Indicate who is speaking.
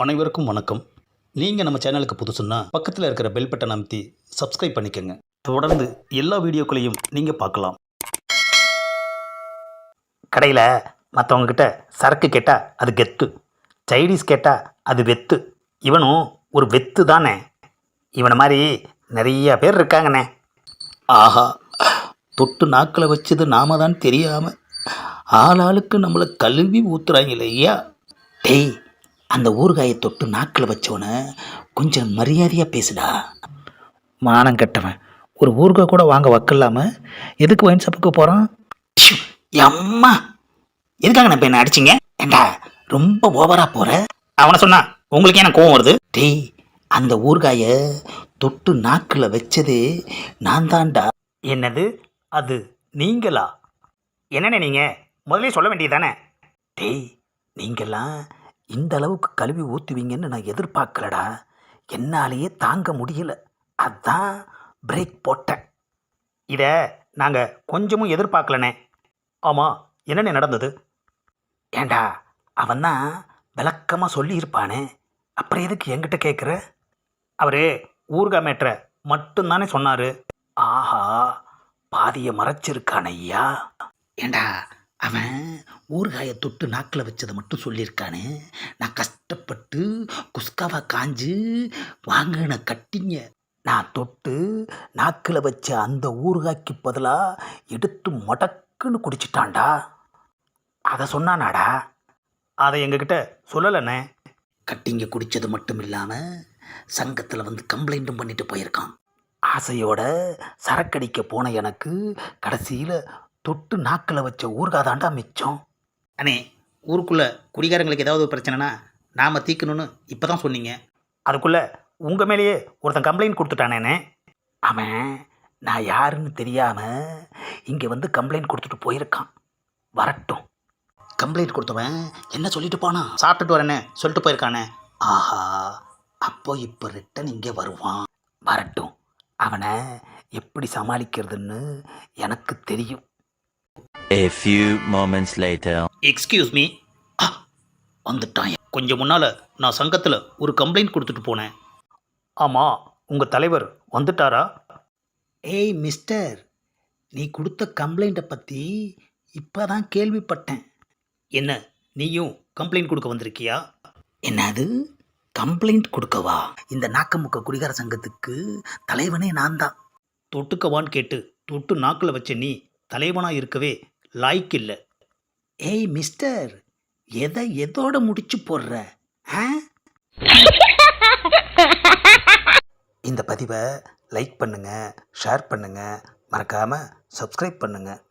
Speaker 1: அனைவருக்கும் வணக்கம். நீங்கள் நம்ம சேனலுக்கு புதுசுன்னா பக்கத்தில் இருக்கிற பெல் பட்டன் அமைத்தி சப்ஸ்கிரைப் பண்ணிக்கோங்க. தொடர்ந்து எல்லா வீடியோக்களையும் நீங்கள் பார்க்கலாம்.
Speaker 2: கடையில் மற்றவங்கக்கிட்ட சரக்கு கேட்டால் அது கெத்து, சைனீஸ் கேட்டால் அது வெத்து. இவனும் ஒரு வெத்து தானே. இவனை மாதிரி நிறைய பேர் இருக்காங்கண்ணே.
Speaker 1: ஆஹா, தொட்டு நாக்கில் வச்சது நாம தான் தெரியாமல் ஆளாளுக்கு நம்மளை கழுவி ஊத்துறாங்க ஐயா.
Speaker 2: டேய், அந்த ஊறுகாயை தொட்டு நாக்கில் வச்சவனை கொஞ்சம் மரியாதையாக பேசுடா. மானம் கெட்டவன், ஒரு ஊறுகாய் கூட வாங்க வக்கில்லாமல் எதுக்கு ஒயின் ஷாப்புக்கு போகிறான்? அம்மா, எதுக்காக நான் இப்போ என்ன அடிச்சிங்க? ஏண்டா ரொம்ப ஓவராக போகிற. அவனை சொன்னா உங்களுக்கு என்ன கோவம் வருது? டேய், அந்த ஊறுகாயை தொட்டு நாக்கில் வச்சது நான் தான்டா.
Speaker 1: என்னது, அது நீங்களா?
Speaker 2: என்னண்ணே நீங்கள் முதல்ல சொல்ல வேண்டியதானே? டேய், நீங்கள்லாம் இந்த அளவுக்கு கழுவி ஊற்றுவீங்கன்னு நான் எதிர்பார்க்கலடா. என்னாலேயே தாங்க முடியல, அதான் பிரேக் போட்டேன். இதை நாங்கள் கொஞ்சமும் எதிர்பார்க்கலண்ணே.
Speaker 1: ஆமாம், என்னென்ன நடந்தது?
Speaker 2: ஏண்டா, அவன் தான் விளக்கமாக சொல்லியிருப்பானே, அப்புறம் எதுக்கு என்கிட்ட கேட்குற?
Speaker 1: அவர் ஊறுகாய் மேட்ரை மட்டும்தானே சொன்னார்.
Speaker 2: ஆஹா, பாதியை மறைச்சிருக்கான ஐயா. ஏண்டா, அவன் ஊறுகாயை தொட்டு நாக்கில் வச்சதை மட்டும் சொல்லியிருக்கானே. நான் கஷ்டப்பட்டு குஸ்காவா காஞ்சு வாங்கின கட்டிங்க நான் தொட்டு நாக்கில் வச்ச அந்த ஊறுகாய்க்கு பதிலாக எடுத்து மடக்குன்னு குடிச்சிட்டான்டா. அதை சொன்னானாடா?
Speaker 1: அதை எங்ககிட்ட சொல்லலைண்ணே.
Speaker 2: கட்டிங்க குடித்தது மட்டும் இல்லாமல் சங்கத்தில் வந்து கம்ப்ளைண்ட்டும் பண்ணிட்டு போயிருக்கான். ஆசையோட சரக்கடிக்க போன எனக்கு கடைசியில் தொட்டு நாக்கில் வச்ச ஊறுகாய் தாண்டா மிச்சம்.
Speaker 1: அண்ணே, ஊருக்குள்ளே குடிகாரங்களுக்கு ஏதாவது பிரச்சனைனா நாம் தீர்க்கணும்னு இப்போ தான் சொன்னீங்க.
Speaker 2: அதுக்குள்ளே உங்கள் மேலேயே ஒருத்தன் கம்ப்ளைண்ட் கொடுத்துட்டானேண்ணே. அவன் நான் யாருன்னு தெரியாமல் இங்கே வந்து கம்ப்ளைண்ட் கொடுத்துட்டு போயிருக்கான். வரட்டும்.
Speaker 1: கம்ப்ளைண்ட் கொடுத்தவன் என்ன சொல்லிட்டு போனான்? சாப்பிட்டுட்டு வரேன்னு சொல்லிட்டு போயிருக்கானே.
Speaker 2: ஆஹா, அப்போ இப்போ ரிட்டன் இங்கே வருவான். வரட்டும், அவனை எப்படி சமாளிக்கிறதுன்னு எனக்கு தெரியும்.
Speaker 3: A few moments later.
Speaker 1: Excuse me.
Speaker 2: வந்துட்டான்.
Speaker 1: கொஞ்சம் முன்னால் நான் சங்கத்தில் ஒரு கம்ப்ளைண்ட் கொடுத்துட்டு போனேன். ஆமாம், உங்கள் தலைவர் வந்துட்டாரா?
Speaker 2: ஏய் மிஸ்டர், நீ கொடுத்த கம்ப்ளைண்ட்டை பற்றி இப்போ தான் கேள்விப்பட்டேன்.
Speaker 1: என்ன, நீயும் கம்ப்ளைண்ட் கொடுக்க வந்திருக்கியா?
Speaker 2: என்னது, கம்ப்ளைண்ட் கொடுக்கவா? இந்த நாக்கமுக்க குடிகார சங்கத்துக்கு தலைவனே நான் தான்.
Speaker 1: தொட்டுக்கவான்னு கேட்டு தொட்டு நாக்கில் வச்ச நீ தலைவனாக இருக்கவே லாய்க்கு இல்லை.
Speaker 2: ஏய் மிஸ்டர், எதோட முடிச்சு போடுற? இந்த பதிவை லைக் பண்ணுங்கள், ஷேர் பண்ணுங்கள், மறக்காமல் சப்ஸ்கிரைப் பண்ணுங்கள்.